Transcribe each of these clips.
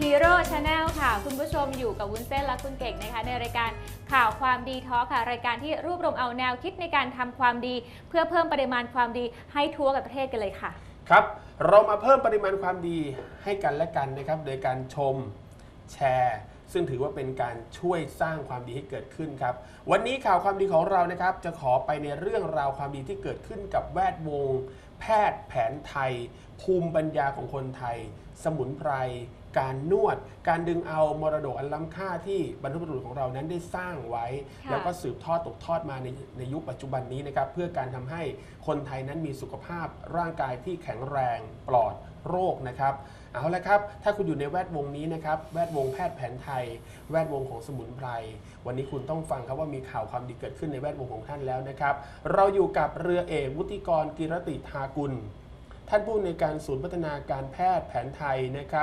Hero Channel ค่ะคุณผู้ชมอยู่กับวุ้นเส้นและคุณเก่งนะคะในรายการข่าวความดีทอล์คค่ะรายการที่รวบรวมเอาแนวคิดในการทำความดีเพื่อเพิ่มปริมาณความดีให้ทั่วกับประเทศกันเลยค่ะครับเรามาเพิ่มปริมาณความดีให้กันและกันนะครับโดยการชมแชร์ซึ่งถือว่าเป็นการช่วยสร้างความดีให้เกิดขึ้นครับวันนี้ข่าวความดีของเรานะครับจะขอไปในเรื่องราวความดีที่เกิดขึ้นกับแวดวงแพทย์แผนไทยภูมิปัญญาของคนไทยสมุนไพรการนวดการดึงเอามรดกอันล้ำค่าที่บรรพบุรุษของเรานั้นได้สร้างไว้แล้วก็สืบทอดตกทอดมาในยุคปัจจุบันนี้นะครับเพื่อการทำให้คนไทยนั้นมีสุขภาพร่างกายที่แข็งแรงปลอดโรคนะครับเอาละครับถ้าคุณอยู่ในแวดวงนี้นะครับแวดวงแพทย์แผนไทยแวดวงของสมุนไพรวันนี้คุณต้องฟังครับว่ามีข่าวความดีเกิดขึ้นในแวดวงของท่านแล้วนะครับเราอยู่กับเรือเอกวุฒิกรกิรติทากุลท่านผู้อำนวยการศูนย์พัฒนาการแพทย์แผนไทยนะครับ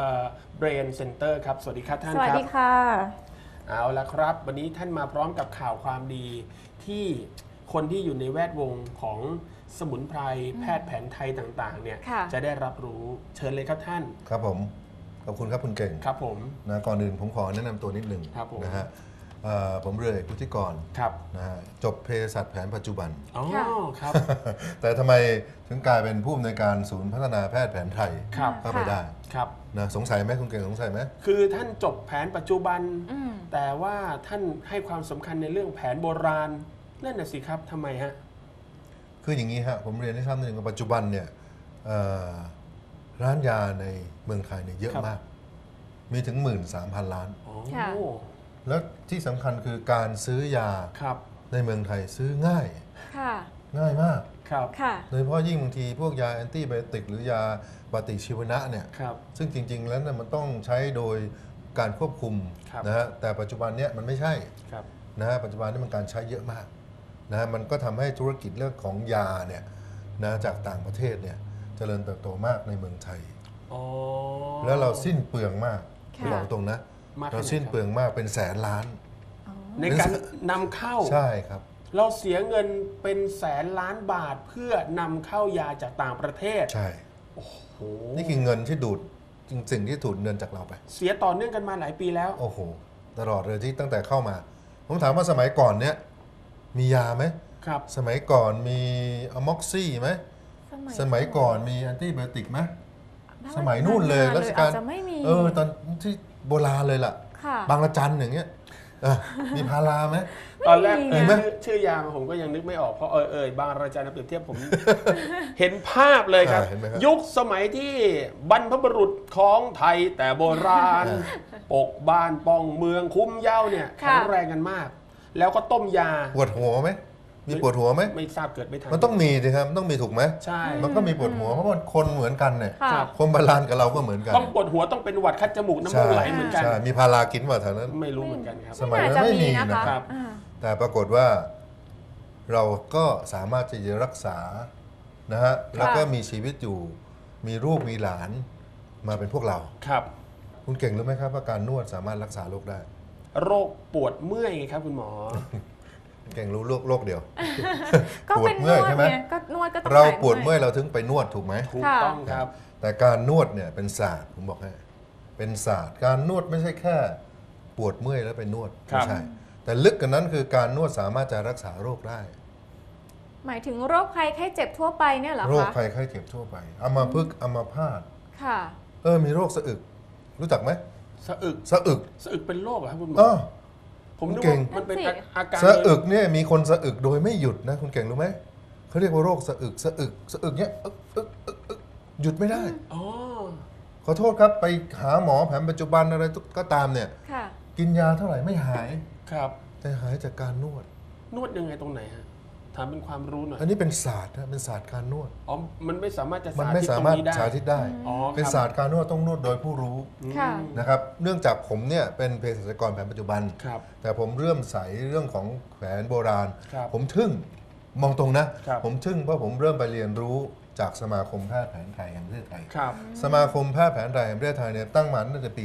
Brain Center ครับสวัสดีครับท่านครับสวัสดีค่ะเอาละครับวันนี้ท่านมาพร้อมกับข่าวความดีที่คนที่อยู่ในแวดวงของสมุนไพรแพทย์แผนไทยต่างๆเนี่ยจะได้รับรู้เชิญเลยครับท่านครับผมขอบคุณครับคุณเก่งครับผมนะก่อนอื่นผมขอแนะนำตัวนิดหนึ่งนะฮะผมเรือเอกวุฒิกรนะฮะจบเภสัชแผนปัจจุบันอ๋อครับแต่ทำไมถึงกลายเป็นผู้อำนวยการศูนย์พัฒนาแพทย์แผนไทยเข้าไปได้ครับนะสงสัยไหมคุณเก่งสงสัยไหมคือท่านจบแผนปัจจุบันแต่ว่าท่านให้ความสำคัญในเรื่องแผนโบราณนั่นน่ะสิครับทำไมฮะคืออย่างนี้ฮะผมเรียนให้ทราบนิดนึงว่าปัจจุบันเนี่ยร้านยาในเมืองไทยเนี่ยเยอะมากมีถึง 13,000 ล้านแล้วที่สำคัญคือการซื้อยาในเมืองไทยซื้อง่ายง่ายมากโดยเฉพาะยิ่งบางทีพวกยาแอนตี้ไบโอติกหรือยาปฏิชีวนะเนี่ยซึ่งจริงๆแล้วเนี่ยมันต้องใช้โดยการควบคุมนะฮะแต่ปัจจุบันเนี่ยมันไม่ใช่นะฮะปัจจุบันนี้มันการใช้เยอะมากนะมันก็ทำให้ธุรกิจเรื่องของยาเนี่ยนะจากต่างประเทศเนี่ยเจริญเติบโตมากในเมืองไทยแล้วเราสิ้นเปลืองมากบอกตรงนะเราสิ้นเปลืองมากเป็นแสนล้านในการนำเข้าใช่ครับเราเสียเงินเป็นแสนล้านบาทเพื่อนำเข้ายาจากต่างประเทศใช่โอ้โหนี่คือเงินที่ดูดสิ่งที่ดูดเงินจากเราไปเสียต่อเนื่องกันมาหลายปีแล้วโอ้โหตลอดเลยที่ตั้งแต่เข้ามาผมถามว่าสมัยก่อนเนี้ยมียาไหมครับสมัยก่อนมีอะม็อกซี่ไหมสมัยก่อนมีแอนตี้ไบโอติกไหมสมัยนู่นเลยรัชกาลตอนที่โบราณเลยล่ะบางระจันอย่างเงี้ยมีพาราไหมตอนแรกชื่อยาผมก็ยังนึกไม่ออกเพราะบางระจันเปรียบเทียบผม เห็นภาพเลยครับยุคสมัยที่บรรพบุรุษของไทยแต่โบราณปกบ้านป้องเมืองคุ้มเย้าเนี่ยแข็งแรงกันมากแล้วก็ต้มยาปวดหัวไหมมีปวดหัวไหมไม่ทราบเกิดไม่ทันมันต้องมีสิครับต้องมีถูกไหมใช่มันก็มีปวดหัวเพราะมันคนเหมือนกันเนี่ยคนโบราณกับเราก็เหมือนกันต้องปวดหัวต้องเป็นหวัดคัดจมูกน้ำมูกไหลเหมือนกันมีพารากินว่าแถวนั้นไม่รู้เหมือนกันครับสมัยนั้นไม่มีนะครับแต่ปรากฏว่าเราก็สามารถจะรักษานะฮะแล้วก็มีชีวิตอยู่มีลูกมีหลานมาเป็นพวกเราครับคุณเก่งรู้ไหมครับว่าการนวดสามารถรักษาโรคได้โรคปวดเมื่อยไงครับคุณหมอเก่งรู้โรคเดียวปวดเมื่อยใช่ไหมก็นวดก็ต้องเราปวดเมื่อยเราถึงไปนวดถูกไหมถูกต้องครับแต่การนวดเนี่ยเป็นศาสตร์ผมบอกให้เป็นศาสตร์การนวดไม่ใช่แค่ปวดเมื่อยแล้วไปนวดไม่ใช่แต่ลึกกว่านั้นคือการนวดสามารถจะรักษาโรคได้หมายถึงโรคภัยไข้เจ็บทั่วไปเนี่ยเหรอคะโรคภัยไข้เจ็บทั่วไปอัมพฤกษ์อัมพาตค่ะมีโรคสะอึกรู้จักไหมสะอึกเป็นโรคเหรอครับคุณหมอผมดูมันเป็นอาการสะอึกเนี่ยมีคนสะอึกโดยไม่หยุดนะคุณเก่งรู้ไหมเขาเรียกว่าโรคสะอึกเนี่ยหยุดไม่ได้ขอโทษครับไปหาหมอแผนปัจจุบันอะไรก็ตามเนี่ยกินยาเท่าไหร่ไม่หายครับแต่หายจากการนวดยังไงตรงไหนฮะถามเป็นความรู้หน่อยอันนี้เป็นศาสตร์นะเป็นศาสตร์การนวดมันไม่สามารถจะสาธิตได้เป็นศาสตร์การนวดต้องนวดโดยผู้รู้นะครับเนื่องจากผมเนี่ยเป็นเภสัชกรแผนปัจจุบันแต่ผมเริ่มใส่เรื่องของแผนโบราณผมทึ่งมองตรงนะผมทึ่งเพราะผมเริ่มไปเรียนรู้จากสมาคมแพทย์แผนไทยแห่งประเทศไทยสมาคมแพทย์แผนไทยแห่งประเทศไทยเนี่ยตั้งมาตั้งแต่ปี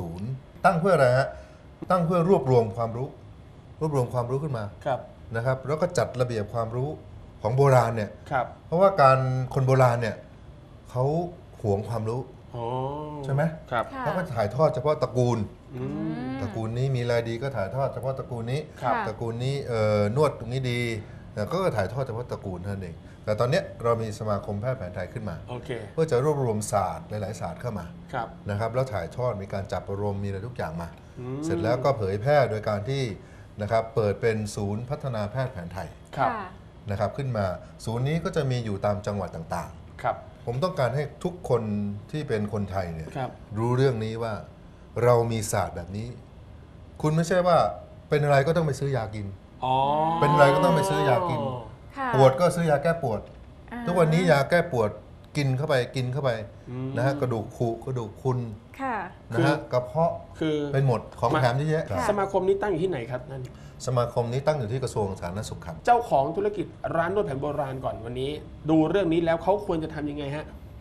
40 ตั้งเพื่ออะไรฮะตั้งเพื่อรวบรวมความรู้ขึ้นมานะครับแล้วก็จัดระเบียบความรู้ของโบราณเนี่ยเพราะว่าคนโบราณเนี่ยเขาหวงความรู้อ๋อใช่ไหมครับค่ะเขาก็ถ่ายทอดเฉพาะตระกูลอืมตระกูลนี้มีรายดีก็ถ่ายทอดเฉพาะตระกูลนี้ครับค่ะตระกูลนี้นวดตรงนี้ดีแต่ก็ถ่ายทอดเฉพาะตระกูลเท่านั้นเองแต่ตอนเนี้ยเรามีสมาคมแพทย์แผนไทยขึ้นมาโอเคเพื่อจะรวบรวมศาสตร์หลายๆศาสตร์เข้ามาครับนะครับแล้วถ่ายทอดมีการจับประรมมีอะไรทุกอย่างมาอืมเสร็จแล้วก็เผยแพร่โดยการที่นะครับเปิดเป็นศูนย์พัฒนาแพทย์แผนไทยครับค่ะนะครับขึ้นมาศูนย์นี้ก็จะมีอยู่ตามจังหวัดต่างครับๆ ผมต้องการให้ทุกคนที่เป็นคนไทยเนี่ยครับรู้เรื่องนี้ว่าเรามีศาสตร์แบบนี้ คุณไม่ใช่ว่าเป็นอะไรก็ต้องไปซื้อยากินอ๋อเป็นอะไรก็ต้องไปซื้อยากินค่ะปวดก็ซื้อยาแก้ปวดอ่าทุกวันนี้ยาแก้ปวดกินเข้าไปอืมนะฮะกระดูกขูกระดูกคุณค่ะนะฮะกระเพาะคือเป็นหมดของแถมเยอะแยะค่ะสมาคมนี้ตั้งอยู่ที่ไหนครับนั่นสมาคมนี้ตั้งอยู่ที่กระทรวงสาธารณสุขครับเจ้าของธุรกิจร้านนวดแผนโบราณก่อนวันนี้ ดูเรื่องนี้แล้วเขาควรจะทำยังไงฮะ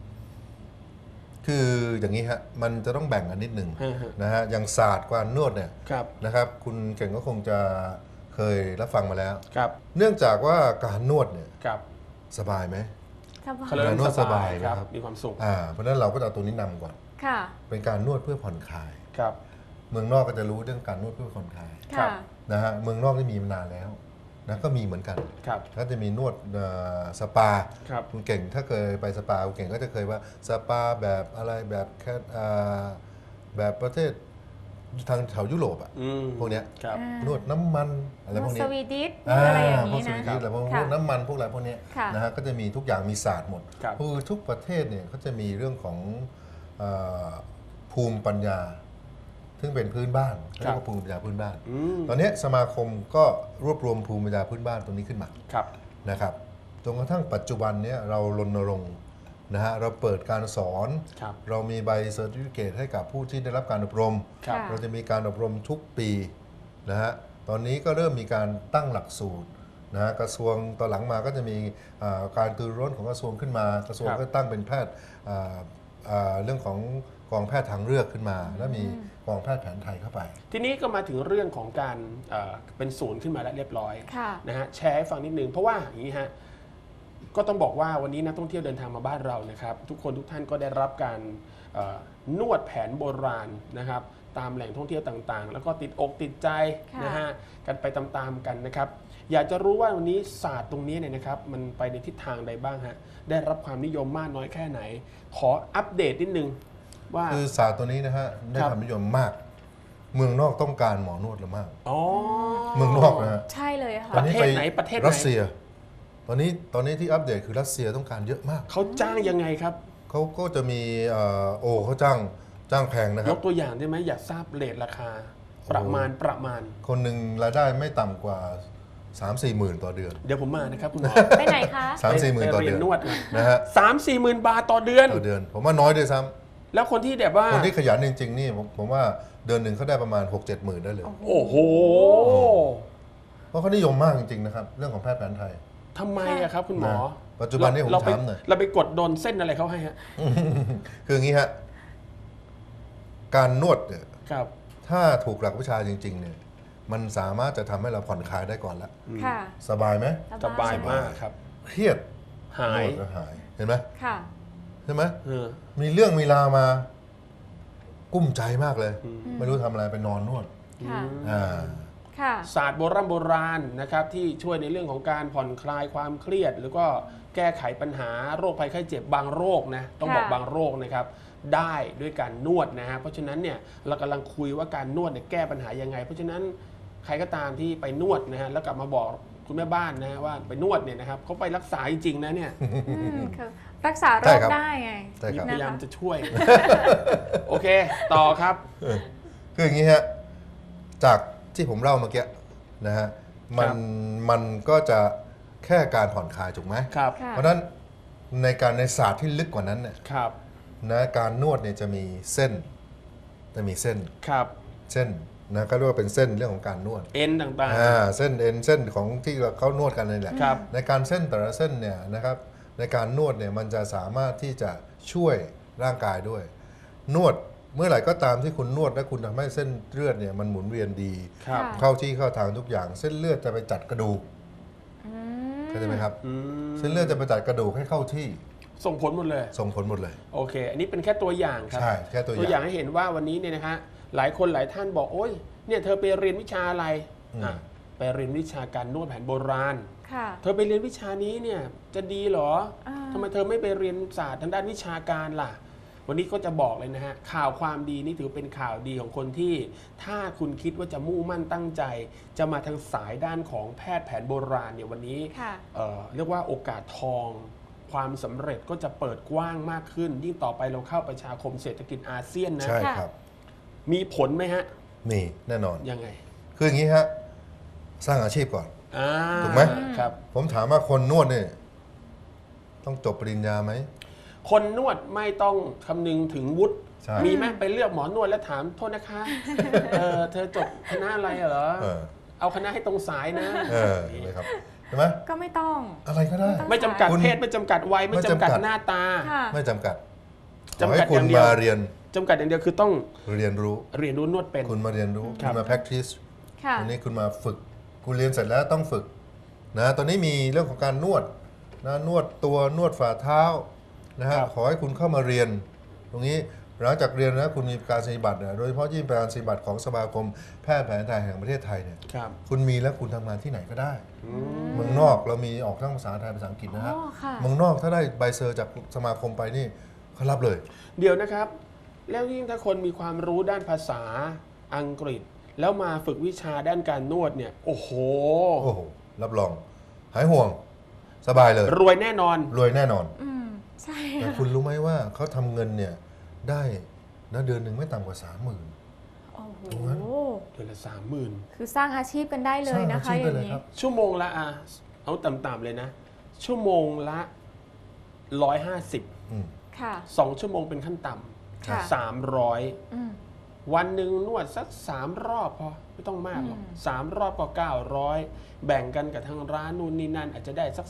คืออย่างนี้ฮะมันจะต้องแบ่งกันนิดหนึ่งฮะฮะนะฮะอย่างศาสตร์การนวดเนี่ยครับนะครับคุณเก่งก็คงจะเคยรับฟังมาแล้วครับเนื่องจากว่าการนวดเนี่ยครับสบายไหมสบายเขาเรียกนวดสบายครับนะครับมีความสุขเพราะฉะนั้นเราก็จะเอาตัวนี้นำก่อนค่ะเป็นการนวดเพื่อผ่อนคลายครับเมืองนอกก็จะรู้เรื่องการนวดเพื่อผ่อนคลายครัค่ะบนะฮะเมืองนอกนี่มีมานานแล้วนะก็มีเหมือนกันครับก็จะมีนวดสปาครับคุณเก่งถ้าเคยไปสปาคุณเก่งก็จะเคยว่าสปาแบบอะไรแบบแค่แบบประเทศทางแถวยุโรปอะอืมพวกเนี้ยครับนวดน้ำมันอะไรพวกสนี้วีดิชอะไรอย่างพวกนี้สวีดิชนะอะไรพวกค่ะน้ำมันพวกอะไรพวกเนี้ยค่ะนะฮะก็จะมีทุกอย่างมีศาสตร์หมดครับคือทุกประเทศเนี่ยเขาจะมีเรื่องของเอ่อภูมิปัญญา ซึ่งเป็นพื้นบ้านเรียกว่าภูมิปัญญาพื้นบ้านอืมตอนนี้สมาคมก็รวบรวมภูมิปัญญาพื้นบ้านตรงนี้ขึ้นมาครับนะครับจนกระทั่งปัจจุบันเนี้ยเรารณรงค์นะฮะเราเปิดการสอนครับเรามีใบเซอร์ติฟิเคตให้กับผู้ที่ได้รับการอบรมครับค่ะเราจะมีการอบรมทุกปีนะฮะตอนนี้ก็เริ่มมีการตั้งหลักสูตรนะฮะกระทรวงตอนหลังมาก็จะมีการตือร้นของกระทรวงขึ้นมา กระทรวงครับก็ตั้งเป็นแพทย์เรื่องของกองแพทย์ทางเลือกขึ้นมา แล้วมีกองแพทย์แผนไทยเข้าไปทีนี้ก็มาถึงเรื่องของการเป็นศูนย์ขึ้นมาแล้วเรียบร้อยค่ะนะฮะแชร์ให้ฟังนิดนึงเพราะว่าอย่างนี้ฮะก็ต้องบอกว่าวันนี้นักท่องเที่ยวเดินทางมาบ้านเรานะครับทุกคนทุกท่านก็ได้รับการนวดแผนโบราณนะครับตามแหล่งท่องเที่ยวต่างๆ แล้วก็ติดอกติดใจค่ะนะฮะกันไปตามๆกันนะครับอยากจะรู้ว่าวันนี้ศาสตร์ตรงนี้เนี่ยนะครับมันไปในทิศทางใดบ้างฮะได้รับความนิยมมากน้อยแค่ไหน ขออัปเดตนิดนึงว่าคือศาสตร์ตัวนี้นะฮะได้ครับความนิยมมาก เมืองนอกต้องการหมอนวดเรามากอ๋อเมืองนอกนะฮะใช่เลยค่ะตอนนี้ประเทศไหนประเทศไหนรัสเซีย ตอนนี้ที่อัปเดตคือรัสเซียต้องการเยอะมากเขาจ้างยังไงครับเขาก็จะมีเขาจ้างแพงนะคยรับกตัวอย่างได้ไหมอยากทราบเรทราคา ประมาณคนหนึ่งรายได้ไม่ต่ำกว่า 3-4 หมื่นต่อเดือนเดี๋ยวผมมานะครับคุณหมอไปไหนคะ 3-4 หมื่นต่อไปเดืเรีอย นนนวดนะฮะ 3-4 หมื่นบาทต่อเดือนต่อเดือน ผมว่าน้อยด้วยซ้แล้วคนที่แบบว่าำคนที่ขยันจริงๆนี่ผมว่าเดือนหนึ่งเขาได้ประมาณ 6-7 หมื่นได้เลยโอ้โหเพราะเขานิยมมากจริงๆนะครับเรื่องของแพทย์แผนไทยทำไมอะครับคุณหมอนะปัจจุบันนี้ผมเราไปถามหน่อยเราไปกดโดนเส้นอะไรเขาให้ฮะคืออย่างนี้ฮะการนวดเนี่ยครับถ้าถูกหลักวิชาจริงๆเนี่ยมันสามารถจะทำให้เราผ่อนคลายได้ก่อนละค่ะสบายไหมสบายมากครับเครียดหายนวดก็หายเห็นไหมค่ะใช่ไหมเออมีเรื่องมีราวมา กุ้มใจมากเลยอืมไม่รู้ทำอะไรไปนอนนวดค่ะอ่าค่ะศาสตร์โบราณนะครับที่ช่วยในเรื่องของการผ่อนคลายความเครียด หรือก็แก้ไขปัญหาโรคภัยไข้เจ็บบางโรคนะต้องบอกค่ะบางโรคนะครับได้ด้วยการนวดนะฮะเพราะฉะนั้นเนี่ยเรากำลังคุยว่าการนวดเนี่ยแก้ปัญหายังไง เพราะฉะนั้นใครก็ตามที่ไปนวดนะฮะแล้วกลับมาบอกคุณแม่บ้านนะฮะว่าไปนวดเนี่ยนะครับเขาไปรักษาจริงๆนะเนี่ยคือรักษาโรใช่คครับได้ไงใช่ครับพยายามนะคะจะช่วย โอเค ต่อครับคืออย่างนี้ฮะจากที่ผมเล่าเมื่อกี้นะฮะมันก็จะแค่การผ่อนคลายถูกไหมครับค่ะเพราะฉะนั้นในศาสตร์ที่ลึกกว่านั้นเนี่ยครับนะการนวดเนี่ยจะมีเส้นครับเส้นนะก็เรียกว่าเป็นเส้นเรื่องของการนวดเอ็นต่างเส้นเอ็นเส้นของที่เขานวดกันนี่แหละๆครับในการเส้นแต่ละเส้นเนี่ยนะครับในการนวดเนี่ยมันจะสามารถที่จะช่วยร่างกายด้วย นวดเมื่อไหร่ก็ตามที่คุณนวดและคุณทำให้เส้นเลือดเนี่ยมันหมุนเวียนดีครับค่ะเข้าที่เข้าทางทุกอย่างเส้นเลือดจะไปจัดกระดูกอืมเข้าใจไหมครับอืมเส้นเลือดจะไปจัดกระดูกให้เข้าที่ส่งผลหมดเลยส่งผลหมดเลยโอเค อันนี้เป็นแค่ตัวอย่างครับใช่แค่ตัวอย่างให้เห็นว่าวันนี้เนี่ยนะฮะหลายคนหลายท่านบอกโอ๊ยเนี่ยเธอไปเรียนวิชาอะไรไปเรียนวิชาการนวดแผนโบราณค่ะเธอไปเรียนวิชานี้เนี่ยจะดีเหรออ่าทำไมเธอไม่ไปเรียนศาสตร์ทางด้านวิชาการล่ะ วันนี้ก็จะบอกเลยนะฮะข่าวความดีนี่ถือเป็นข่าวดีของคนที่ถ้าคุณคิดว่าจะมุ่งมั่นตั้งใจ จะมาทางสายด้านของแพทย์แผนโบราณเนี่ยวันนี้ค่ะเรียกว่าโอกาสทองความสำเร็จก็จะเปิดกว้างมากขึ้น ยิ่งต่อไปเราเข้าประชาคมเศรษฐกิจอาเซียนนะใช่ครับมีผลไหมฮะมีแน่นอนยังไงคืออย่างนี้ฮะสร้างอาชีพก่อนอ่าถูกไหมครับผมถามว่าคนนวดเนี่ยต้องจบปริญญาไหมคนนวดไม่ต้องคำนึงถึงวุฒิใช่มีไหมไปเลือกหมอนวดแล้วถามโทษนะคะเธอจบคณะอะไรเหรอ เอาคณะให้ตรงสายนะเห็นไหมครับใช่ไหมก็ไม่ต้องอะไรก็ได้ไม่จำกัดคุณเพศไม่จำกัดวัยไม่จำกัดไม่จำกัดหน้าตาค่ะไม่จำกัดขจำอกัให้ดคุอณย่างเดียวมาเรียนจำกัดอย่างเดียวคือต้องเรียนรู้เรียนรู้นวดเป็นคุณมาเรียนรู้ครัคุบณมา practice ค่ะวันนี้คุณมาฝึก คุณเรียนเสร็จแล้วต้องฝึกนะตอนนี้มีเรื่องของการนวดนะนวดตัวนวดฝ่าเท้านะฮะขอให้คุณเข้ามาเรียน ตรงนี้หลังจากเรียนนะคุณมีการสัญญบัตรนะโดยเฉพาะยิ่งการสัญญบัตรของสมาคมแพทย์แผนไทยแห่งประเทศไทยเนี่ยครับคุณมีแล้วคุณทำงานที่ไหนก็ได้ เมืองนอกเรามีออกทั้งภาษาไทยภาษาอังกฤษนะฮะอ๋อค่ะเมืองนอกถ้าได้ใบเซอร์จากสมาคมไปนี่เขารับเลยเดี๋ยวนะครับ แล้วยิ่งถ้าคนมีความรู้ด้านภาษาอังกฤษ แล้วมาฝึกวิชาด้านการนวดเนี่ย โอ้โหโอ้โหรับรอง หายห่วงสบายเลยรวยแน่นอนรวยแน่นอนอืมใช่แต่ค่ะคุณรู้ไหมว่าเขาทำเงินเนี่ยได้นะเดือนหนึ่งไม่ต่ำกว่า 30,000 โอ้โหตรงนั้นเดือนละ30,000 คือสร้างอาชีพกันได้เลยนะสร้างอาชีพคะอได้ย่างเลยนี้ครับชั่วโมงละเอาต่ำๆเลยนะ ชั่วโมงละ150 อืมค่ะ 2 ชั่วโมงเป็นขั้นต่ค่ะำ300 อืมวันหนึ่งนวดสัก3 รอบพอไม่ต้องมากหรอกอืม 3 รอบก็900 แบ่งกันกับทางร้านนู่นนี่นั่นอาจจะได้สัก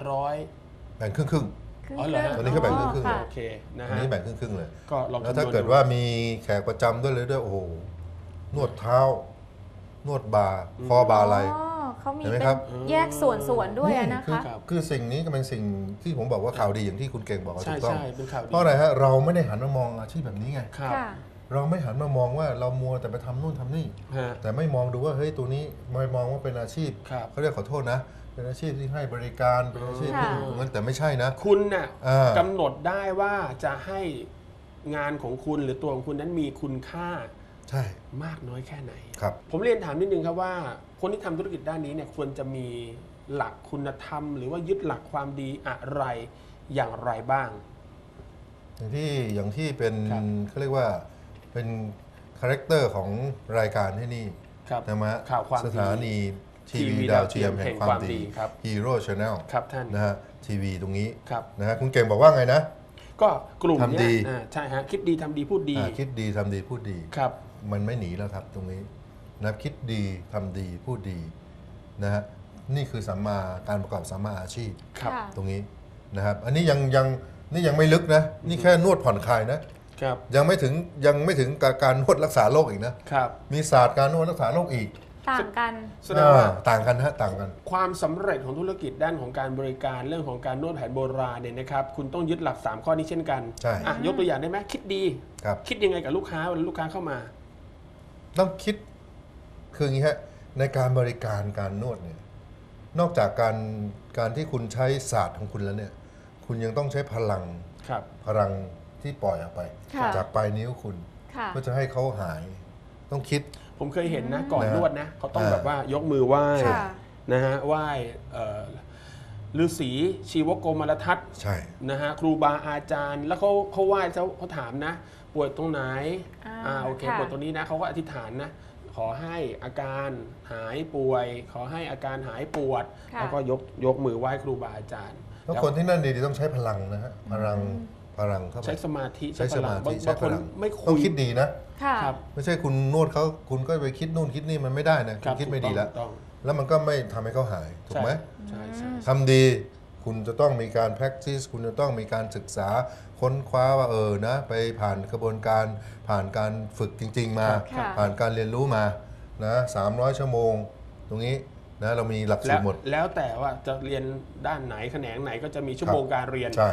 4-500 แบ่งครึ่งอ๋อเหรอฮะตอนนี้ก็แบ่งครึ่งๆค่ะโอเคๆนะอันฮะนี้แบ่งครึ่งๆเลยก็ลองแล้วคำนถ้าวณเกิดว่ามีแขกประจำด้วยโอ้โหนวดเท้า นวดบ่าคอบ่าไหล่อ๋อเขามีเห็นไหมเป็ครันบแยกส่วนๆด้วยอะนะคะคือสิ่งนี้ก็เป็นสิ่งที่ผมบอกว่าข่าวดีอย่างที่คุณเก่งบอกว่าใช่ถูกต้องใช่เป็นข่าวดีเพราะอะไรฮะเราไม่ได้หันมามองอาชีพแบบนี้ไงครับค่ะเราไม่หันมามองว่าเรามัวแต่ไปทำนู่นทำนี่ฮะแต่ไม่มองดูว่าเฮ้ยตัวนี้ไม่มองว่าเป็นอาชีพครับเขาเรียกขอโทษนะ เป็นอาชีพที่ให้บริการเป็นอาชีพที่ค่ะตรงนั้นแต่ไม่ใช่นะคุณน่ะอ่ากำหนดได้ว่าจะให้งานของคุณหรือตัวของคุณนั้นมีคุณค่าใช่มากน้อยแค่ไหนครับผมเรียนถามนิดนึงครับว่า คนที่ทำธุรกิจด้านนี้เนี่ยควรจะมีหลักคุณธรรม หรือว่ายึดหลักความดีอะไรอย่างไรบ้างอย่างที่เป็นครับเขาเรียกว่าเป็นคาแรคเตอร์ของรายการที่นี่ครับนะมะข่าวความดีสถานีทีทีวีวีดาวเทียมแห่งความดีครับฮีโร่ชาแนลครับท่านนะฮะทีวีตรงนี้ครับนะฮะคุณเก่งบอกว่าไงนะก็กลุ่มทำดีเนี้ยใช่ฮะคิดดีทำดีพูดดีคิดดีทำดีพูดดีครับมันไม่หนีแล้วครับตรงนี้นะคิดดีทำดีพูดดีนะฮะนี่คือสัมมาการประกอบสัมมาอาชีพครับค่ะตรงนี้นะครับอันนี้ยังไม่ลึกนะนี่แค่นวดผ่อนคลายนะครับ ยังไม่ถึงการนวดรักษาโรคอีกนะครับ มีศาสตร์การนวดรักษาโรคอีกต่างกันแสดงว่าต่างกันฮะต่างกันความสำเร็จของธุรกิจด้านของการบริการเรื่องของการนวดแผนโบราณเนี่ยนะครับคุณต้องยึดหลัก 3 ข้อนี้เช่นกันใช่อ่ะยกตัวอย่างได้ไหมคิดดีครับคิดยังไงกับลูกค้าเวลาลูกค้าเข้ามาต้องคิดคืออย่างนี้ฮะในการบริการการนวดเนี่ยนอกจากการที่คุณใช้ศาสตร์ของคุณแล้วเนี่ยคุณยังต้องใช้พลังครับพลังที่ปล่อยออกไปค่ะจากปลายนิ้วคุณค่ะเพื่อจะให้เขาหาย ต้องคิดผมเคยเห็นนะก่อนนะนวดนะเขาต้องอ่าแบบว่ายกมือไหว้ค่ะนะฮะไหว้ฤาษีชีวโกมารทัศน์ใช่นะฮะครูบาอาจารย์ แล้วเขาไหว้เขาถามนะ ป่วยตรงไหน โอเคค่ะป่วยตรงนี้นะเขาก็อธิษฐานนะขอให้อาการหายป่วย ขอให้อาการหายปวดค่ะแล้วก็ยกมือไหว้ครูบาอาจารย์แล้วคนที่นั่นดีๆต้องใช้พลังนะฮะพลังเข้าไปใช้สมาธิใช้สมาธิบใช้างพคนลังไม่คุยต้องคิดดีนะค่ะครับไม่ใช่คุณนวดเขาคุณก็ไปคิดนู่นคิดนี่มันไม่ได้นะคคุรัณบคิดไม่ดีแล้วถูกต้องแล้วมันก็ไม่ทำให้เขาหายถูกไหมใช่ใช่ทำดีคุณจะต้องมีการ practice คุณจะต้องมีการศึกษาค้นคว้าว่านะไปผ่านกระบวนการผ่านการฝึกจริง ๆ มาค่ะผ่านการเรียนรู้มานะ300 ชั่วโมง ตรงนี้นะเรามีหลักสูแล้ตวรหมดแล้วแต่ว่าจะเรียนด้านไหนแขนงไหนก็จะมีชั่วโมงการเรียนใช่อ๋อ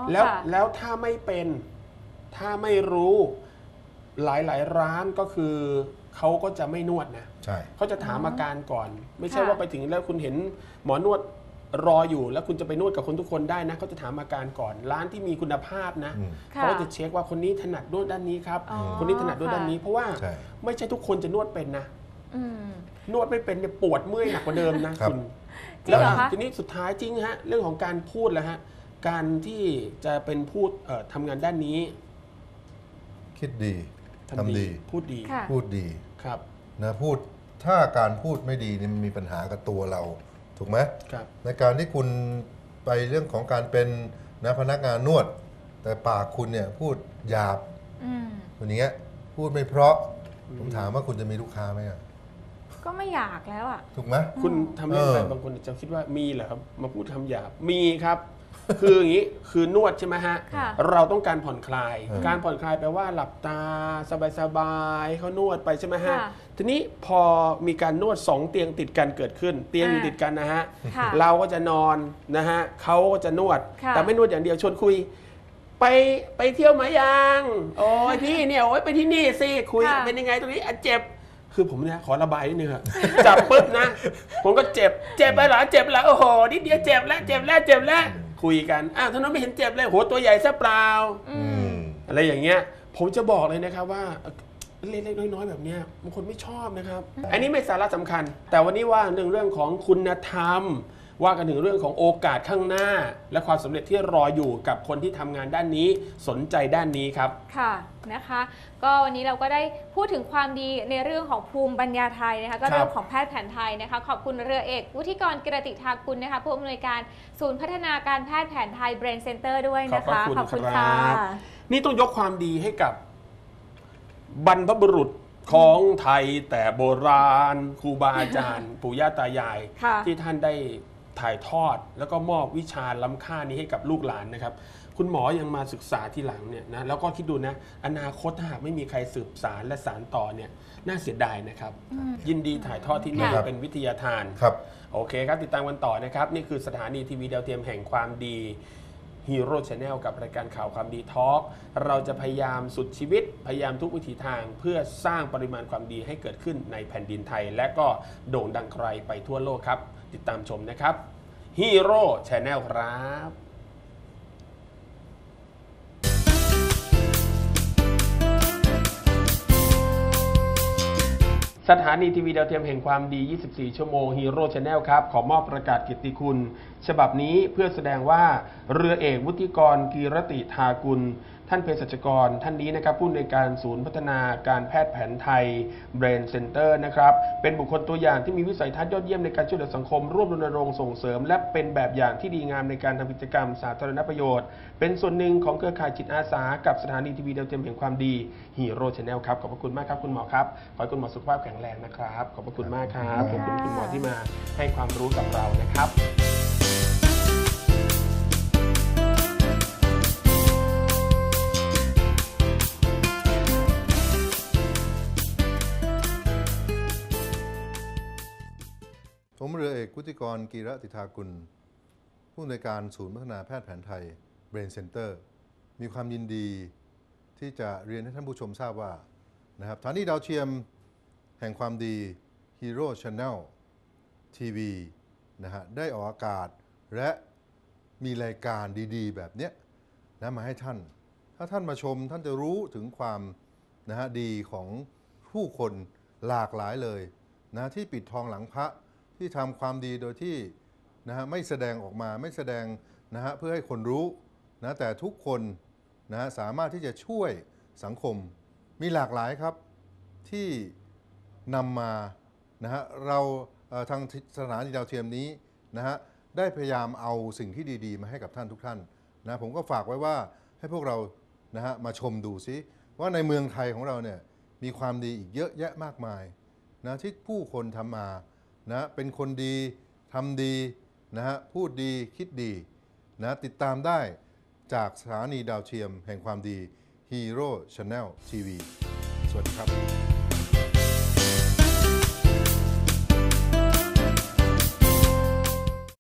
แล้วค่ะแล้วถ้าไม่เป็นถ้าไม่รู้หลายร้านก็คือเขาก็จะไม่นวดนะใช่เขาจะถามอาการก่อน ไม่ใช่ค่ะว่าไปถึงแล้วคุณเห็นหมอนวดรออยู่ แล้วคุณจะไปนวดกับคนทุกคนได้นะเขาจะถามอาการก่อน ร้านที่มีคุณภาพนะค่ะเขาก็จะเช็คว่าคนนี้ถนัดนวดด้านนี้ครับอ๋อคนนี้ถนัดนวดด้านนี้ เพราะว่าใช่ไม่ใช่ทุกคนจะนวดเป็นนะอืมนวดไม่เป็นเนี่ยปวดเมื่อยหนักกว่าเดิมนะครับ คุณจริงเหรอคะทีนี้สุดท้ายจริงฮะเรื่องของการพูดแล้วฮะการที่จะเป็นพูดทำงานด้านนี้คิดดีทำดีพูดดีค่ะพูดดีครับนะพูดถ้าการพูดไม่ดีนี่มันมีปัญหากับตัวเรา ถูกไหมครับในการที่คุณไปเรื่องของการเป็นนะพนักงานนวด แต่ปากคุณเนี่ยพูดหยาบอืมอย่างเงี้ยพูดไม่เพราะผมถามว่าคุณจะมีลูกค้าไหมอะก็ไม่อยากแล้วอ่ะถูกไหมคุณทำเรื่องอะไรเออบางคนจะคิดว่ามีเหรอครับมาพูดคำหยาบมีครับ คืออย่างนี้คือนวดใช่ไหมฮะค่ะเราต้องการผ่อนคลายเออการผ่อนคลายแปลว่าหลับตาสบายๆเขานวดไปใช่ไหมฮะค่ะทีนี้พอมีการนวด2เตียงติดกันเกิดขึ้น เตียงอยู่ติดกันนะฮะค่ะเราก็จะนอนนะฮะเขาก็จะนวดค่ะแต่ไม่นวดอย่างเดียวชวนคุย ไปเที่ยวมายังโอ้ยพี่เนี่ยโอ้ยไปที่นี่สิคุยค่ะเป็นยังไงตรงนี้อ่ะเจ็บ คือผมเนี่ยขอระบายนิดนึงครับ จับปุ๊บนะ ผมก็เจ็บไปเหรอเจ็บแล้วโอ้โหนิดเดียวเจ็บแล้วคุยกันอ้าวท่านนั้นไม่เห็นเจ็บเลยโหตัวใหญ่ซะเปล่าอืมอะไรอย่างเงี้ยผมจะบอกเลยนะครับว่าเล็กๆน้อยๆแบบเนี้ยบางคนไม่ชอบนะครับ อันนี้ไม่สาระสำคัญ แต่วันนี้ว่าเรื่องของคุณธรรม ว่ากันถึงเรื่องของโอกาสข้างหน้า และความสำเร็จที่รออยู่กับคนที่ทำงานด้านนี้สนใจด้านนี้ครับค่ะนะคะ ก็วันนี้เราก็ได้พูดถึงความดีในเรื่องของภูมิปัญญาไทยนะคะก็เรื่องของแพทย์แผนไทยนะคะขอบคุณเรือเอกวุฒิกรกิรติทากุลนะคะผู้อำนวยการศูนย์พัฒนาการแพทย์แผนไทย Brain Center ด้วยนะคะขอบคุณค่ะครับ นี่ต้องยกความดีให้กับบรรพบุรุษของไทยแต่โบราณครูบาอาจารย์ ปู่ย่าตายายค่ะที่ท่านได้ถ่ายทอด แล้วก็มอบวิชาล้ำค่านี้ให้กับลูกหลานนะครับ คุณหมอยังมาศึกษาที่หลังเนี่ยนะแล้วก็คิดดูนะอนาคตถ้าหากไม่มีใครสืบสารและสารต่อเนี่ยน่าเสียดายนะครับ ยินดีถ่ายทอดที่นี่ครับเป็นวิทยาทานครับโอเคครับ ติดตามกันต่อนะครับ นี่คือสถานีทีวีดาวเทียมแห่งความดีฮีโร่ชาแนลกับรายการข่าวความดีทอล์กเราจะพยายามสุดชีวิต พยายามทุกวิถีทางเพื่อสร้างปริมาณความดีให้เกิดขึ้นในแผ่นดินไทย และก็โด่งดังไกลไปทั่วโลกครับ ติดตามชมนะครับฮีโร่ชาแนลครับ สถานีทีวีดาวเทียมแห่งความดี 24 ชั่วโมงฮีโร่ชาแนลครับ ขอมอบประกาศเกียรติคุณ ฉบับนี้เพื่อแสดงว่าเรือเอกวุฒิกรกีรติทากุล ท่านเภสัชกรท่านนี้นะครับผู้อำนวยการศูนย์พัฒนาการแพทย์แผนไทย Brain Center นะครับเป็นบุคคลตัวอย่างที่มีวิสัยทัศน์ยอดเยี่ยมในการช่วยเหลือสังคมร่วมรณรงค์ส่งเสริม และเป็นแบบอย่างที่ดีงามในการทำกิจกรรมสาธารณประโยชน์ เป็นส่วนหนึ่งของเครือข่ายจิตอาสากับสถานีทีวีดาวเทียมแห่งความดีฮีโร่ชาแนลครับขอบพระคุณมากครับคุณหมอครับขอให้คุณหมอสุขภาพแข็งแรงนะครับขอบพระคุณมากครับขอบคุณคุณหมอที่มาให้ความรู้กับเรานะครับผมเรือเอกวุฒิกรกีรติทากุลผู้อำนวยการศูนย์พัฒนาแพทย์แผนไทย Brain Center มีความยินดีที่จะเรียนให้ท่านผู้ชมทราบว่านะครับสถานีดาวเทียมแห่งความดี Hero Channel TV นะฮะได้ออกอากาศและมีรายการดีๆ แบบเนี้ยนะมาให้ท่าน ถ้าท่านมาชมท่านจะรู้ถึงความนะฮะดีของผู้คนหลากหลายเลยนะที่ปิดทองหลังพระที่ทำความดีโดยที่นะฮะไม่แสดงออกมาไม่แสดงนะฮะเพื่อให้คนรู้นะแต่ทุกคนนะฮะสามารถที่จะช่วยสังคมมีหลากหลายครับที่นำมานะฮะเราทางสถานีดาวเทียมนี้นะฮะได้พยายามเอาสิ่งที่ดีๆมาให้กับท่านทุกท่านนะผมก็ฝากไว้ว่าให้พวกเรานะฮะมาชมดูซิว่าในเมืองไทยของเราเนี่ยมีความดีอีกเยอะแยะมากมายนะที่ผู้คนทำมานะเป็นคนดีทำดีนะฮะพูดดีคิดดีนะติดตามได้จากสถานีดาวเทียมแห่งความดี Hero Channel TV สวัสดีครับ